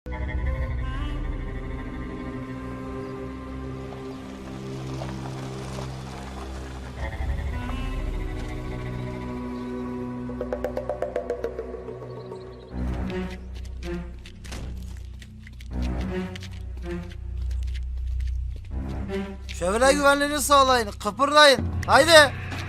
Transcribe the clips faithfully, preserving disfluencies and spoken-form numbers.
Çevre güvenliğini sağlayın, kıpırdayın. Haydi.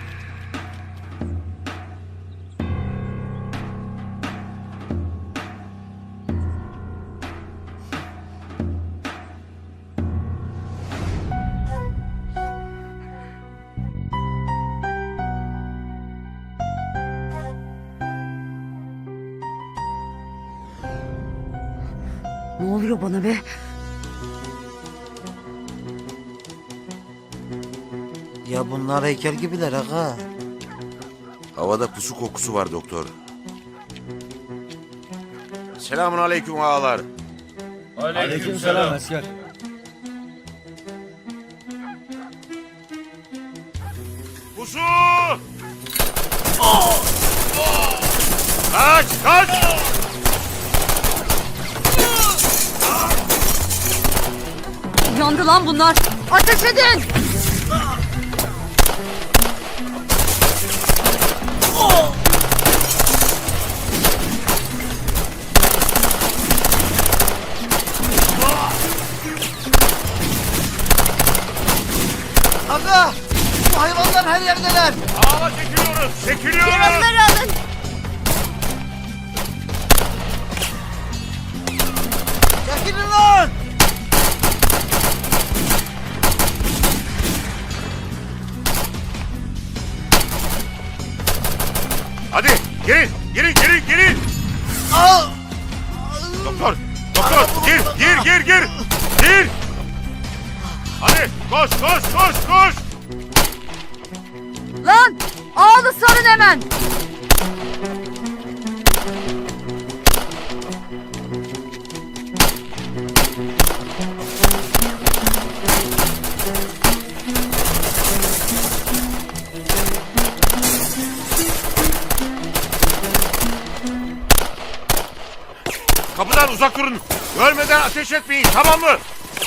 Ne oluyor bana be? Ya bunlar heykel gibiler aga. Havada pusu kokusu var doktor. Selamun aleyküm ağalar. Aleykümselam asker. Pusu! Kaç, kaç! Yandı lan bunlar. Ateş edin. Aga! Bu hayvanlar her yerdeler. Ağla çekiliyoruz, çekiliyoruz! Yaralıları alın. Çekilin lan! Hadi, girin, girin, girin, girin! Al! Doktor, doktor, gir, gir, gir, gir! Gir! Hadi, koş, koş, koş, koş! Lan ağlı sarın hemen. Kapıdan uzak durun. Görmeden ateş etmeyin, tamam mı?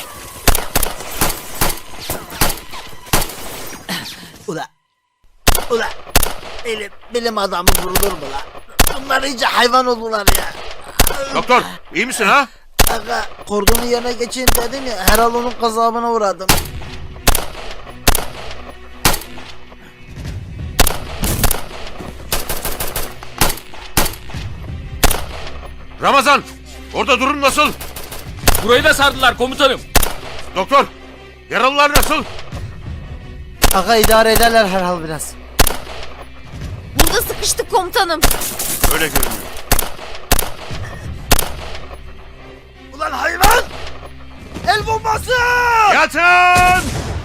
Ula! Ula! Bilim, bilim adamı vurulur mu lan? Bunlar iyice hayvan oldular ya. Doktor, iyi misin ha? Aga kordonu yerine geçin dedim ya, herhal onun gazabına uğradım. Ramazan, orada durum nasıl? Burayı da sardılar komutanım. Doktor, yaralılar nasıl? Aga idare ederler herhal biraz. Burada sıkıştık komutanım. Öyle görünüyor. Ulan hayvan! El bombası! Yatın!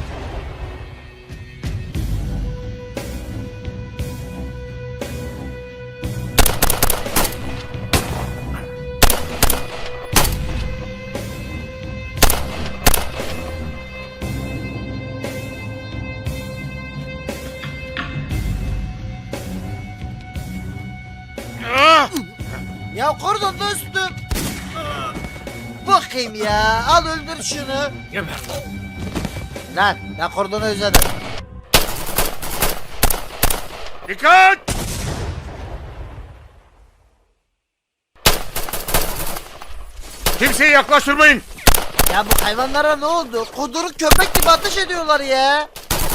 Ah! Ya kordonda üstüm. Bakayım ya, al öldür şunu. Geber. Lan ben kordonu özledim. Dikkat! Kimseyi yaklaştırmayın. Ya bu hayvanlara ne oldu? Kuduruk köpek gibi ateş ediyorlar ya.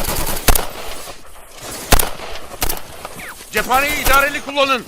Cephaneyi idareli kullanın.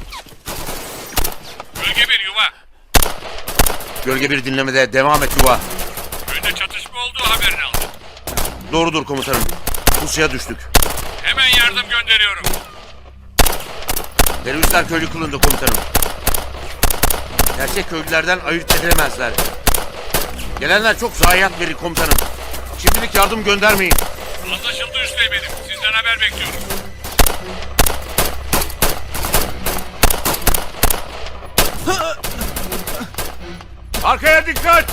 Bölge bir yuva. Gölge bir dinlemede devam et yuva. Köyde çatışma olduğu haberini aldım. Doğrudur komutanım. Pusuya düştük. Hemen yardım gönderiyorum. Teröristler köylü kılındı komutanım. Gerçek köylülerden ayırt edilemezler. Gelenler çok zayiat verir komutanım. Şimdilik yardım göndermeyin. Anlaşıldı üsteğmenim. Sizden haber bekliyorum. Arkaya dikkat!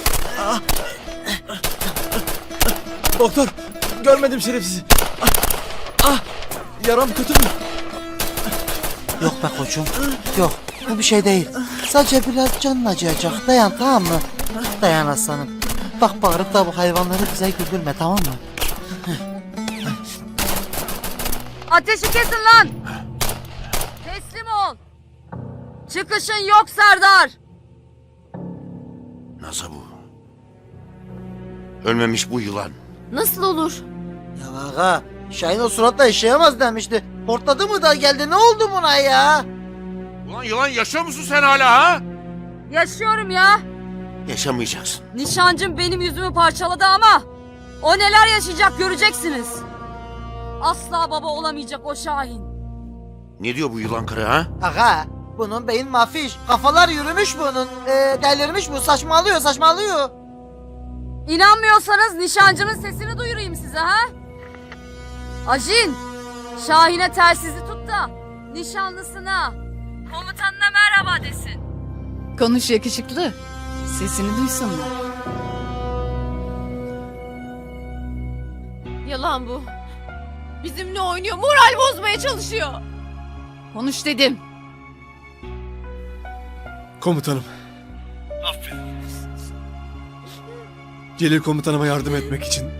Doktor, görmedim şerefsizi. Yaram kötü mü? Yok be koçum. Yok. Bu bir şey değil. Sadece biraz canın acıyacak. Dayan tamam mı? Dayan aslanım. Bak bağırıp da bu hayvanları bize güldürme tamam mı? Ateşi kesin lan. Teslim ol. Çıkışın yok Serdar. Nasıl bu? Ölmemiş bu yılan. Nasıl olur? Ya aga Şahin o suratla yaşayamaz demişti. Hortladı mı da geldi ne oldu buna ya? Ulan yılan yaşıyor musun sen hala ha? Yaşıyorum ya. Yaşamayacaksın. Nişancım benim yüzümü parçaladı ama o neler yaşayacak göreceksiniz. Asla baba olamayacak o Şahin. Ne diyor bu yılan karı ha? Aga bunun beyin mafiş. Kafalar yürümüş bunun. Ee, delirmiş bu saçmalıyor saçmalıyor. İnanmıyorsanız nişancımın sesini duyurayım size ha. Ajin, Şahin'e telsizi tut da nişanlısına, komutanına merhaba desin. Konuş yakışıklı. Sesini duysunlar. Yalan bu. Bizimle oynuyor, moral bozmaya çalışıyor. Konuş dedim. Komutanım. Aferin. Celil komutanıma yardım etmek için.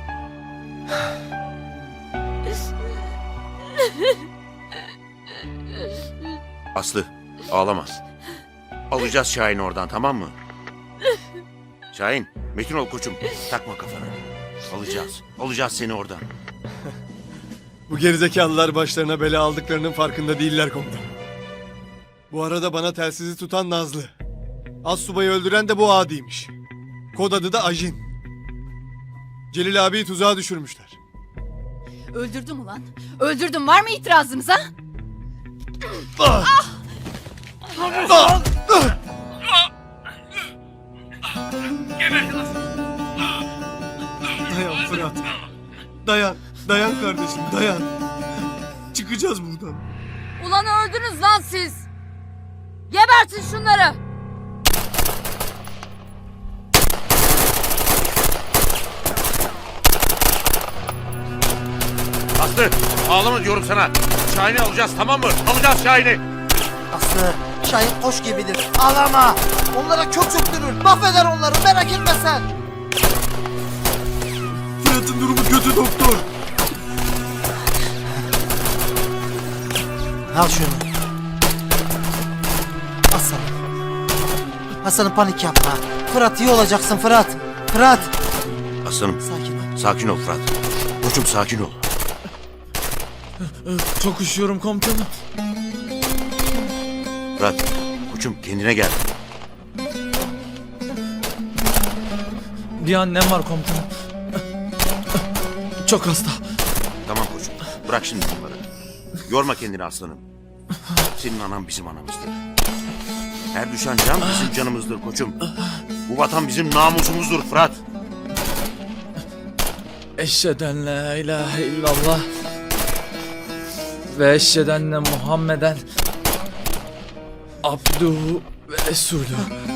Aslı ağlama. Alacağız Şahin'i oradan tamam mı? Şahin, Metin ol koçum. Takma kafana. Alacağız. Alacağız seni oradan. Bu gerizekalılar başlarına bela aldıklarının farkında değiller komutanım. Bu arada bana telsizi tutan Nazlı. Astsubayı öldüren de bu adiymiş. Kod adı da Ajin. Celil abiyi tuzağa düşürmüşler. Öldürdüm ulan. Öldürdüm. Var mı itirazınız ha? Dayan Fırat. Dayan. Dayan kardeşim dayan. Çıkacağız buradan. Ulan öldünüz lan siz. Gebertin şunları. Aslı ağlama diyorum sana. Şahin'i alacağız tamam mı? Alacağız Şahin'i. Aslı Şahin koş gibidir. Ağlama. Onlara kök söktürür. Mahveder onları merak etme sen. Fırat'ın durumu kötü doktor. Al şunu. Hasan. Hasan'ım panik yapma. Fırat iyi olacaksın Fırat. Fırat. Aslanım Sakin ol. sakin ol Fırat. Koçum sakin ol. Çok üşüyorum komutanım. Fırat koçum kendine gel. Bir annem var komutanım. Çok hasta. Tamam koçum bırak şimdi bunları. Yorma kendini aslanım. Senin anan bizim anamızdır. Her düşen can bizim canımızdır koçum. Bu vatan bizim namusumuzdur Fırat. Eşheden la ilahe illallah. Ve eşheden de Muhammeden abduhu ve resulü.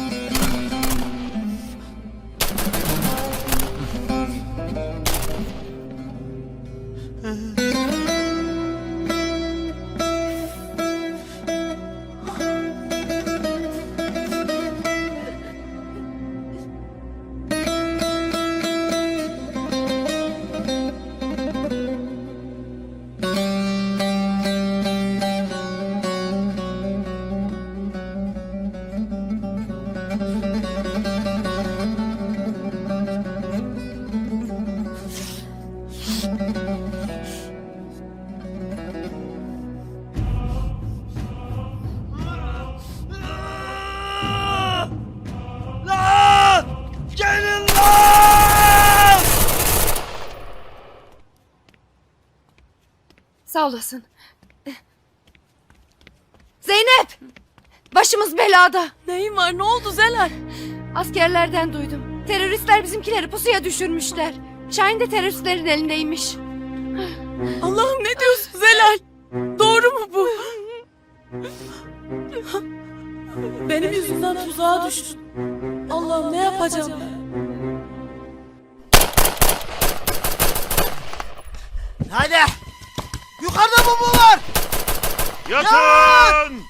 Sağ olasın. Zeynep! Başımız belada. Neyin var ne oldu Zelal? Askerlerden duydum. Teröristler bizimkileri pusuya düşürmüşler. Şahin de teröristlerin elindeymiş. Allah'ım ne diyorsun Zelal? Doğru mu bu? Benim yüzümden tuzağa düştün. Allah'ım ne yapacağım ben? Hadi. Yukarıda bomba var. Yatın!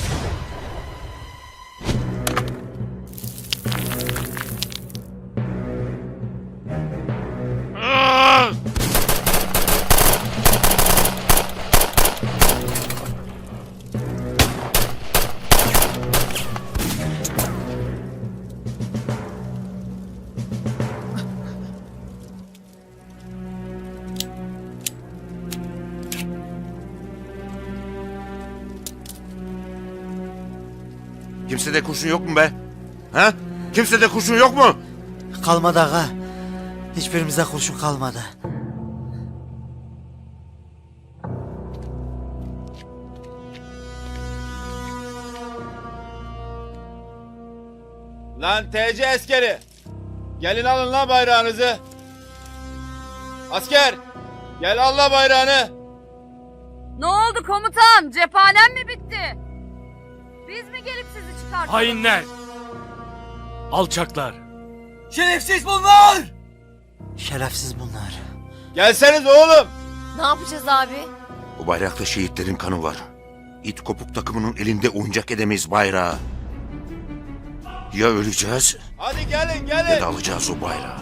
Ah! Kimsede kurşun yok mu be? Ha? Kimsede kurşun yok mu? Kalmadı ağa. Hiçbirimize kurşun kalmadı. Lan T C askeri. Gelin alın lan bayrağınızı. Asker. Gel al la bayrağını. Ne oldu komutan? Cephanem mi bitti? Biz mi gelip sizi çıkartalım? Hainler. Alçaklar. Şerefsiz bunlar. Gelseniz oğlum. Ne yapacağız abi? Bu bayrakta şehitlerin kanı var. İt kopuk takımının elinde oyuncak edemeyiz bayrağı. Ya öleceğiz Hadi gelin ya gelin. da alacağız o bayrağı.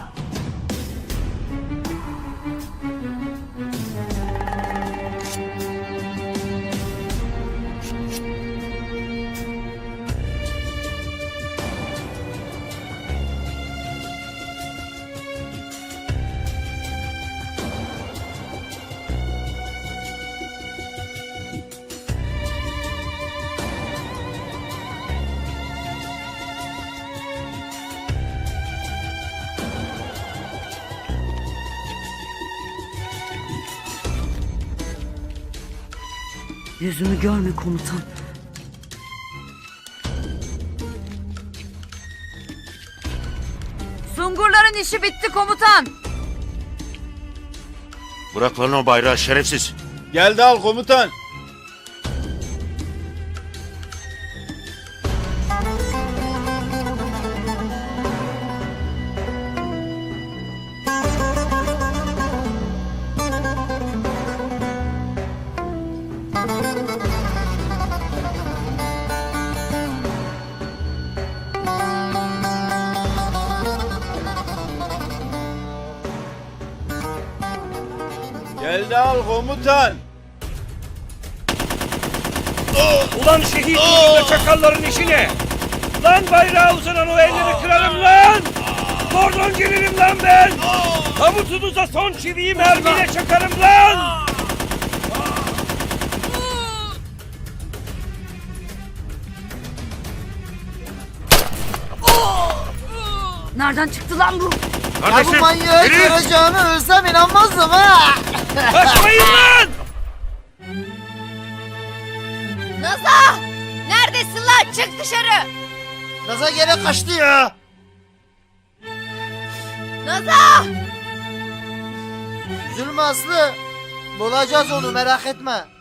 Yüzümü görme komutan. Sungurların işi bitti komutan. Bırak lan o bayrağı şerefsiz. Geldi al komutan. Geldi al komutan. Ulan şehit yüzünde çakalların işine. Lan bayrağı uzanan o elleri kırarım lan. Kordon gelirim lan ben. Tabutunuza son çiviyi mermiyle çakarım lan. Nereden çıktı lan bu? Ya bu Kardeşim, manyağı geri! göreceğimi ölsem inanmazdım ha. Kaçmayın lan. Naza! Neredesin lan? Çık dışarı! Naza gene kaçtı ya. Naza! Üzülme Aslı. Bulacağız onu merak etme.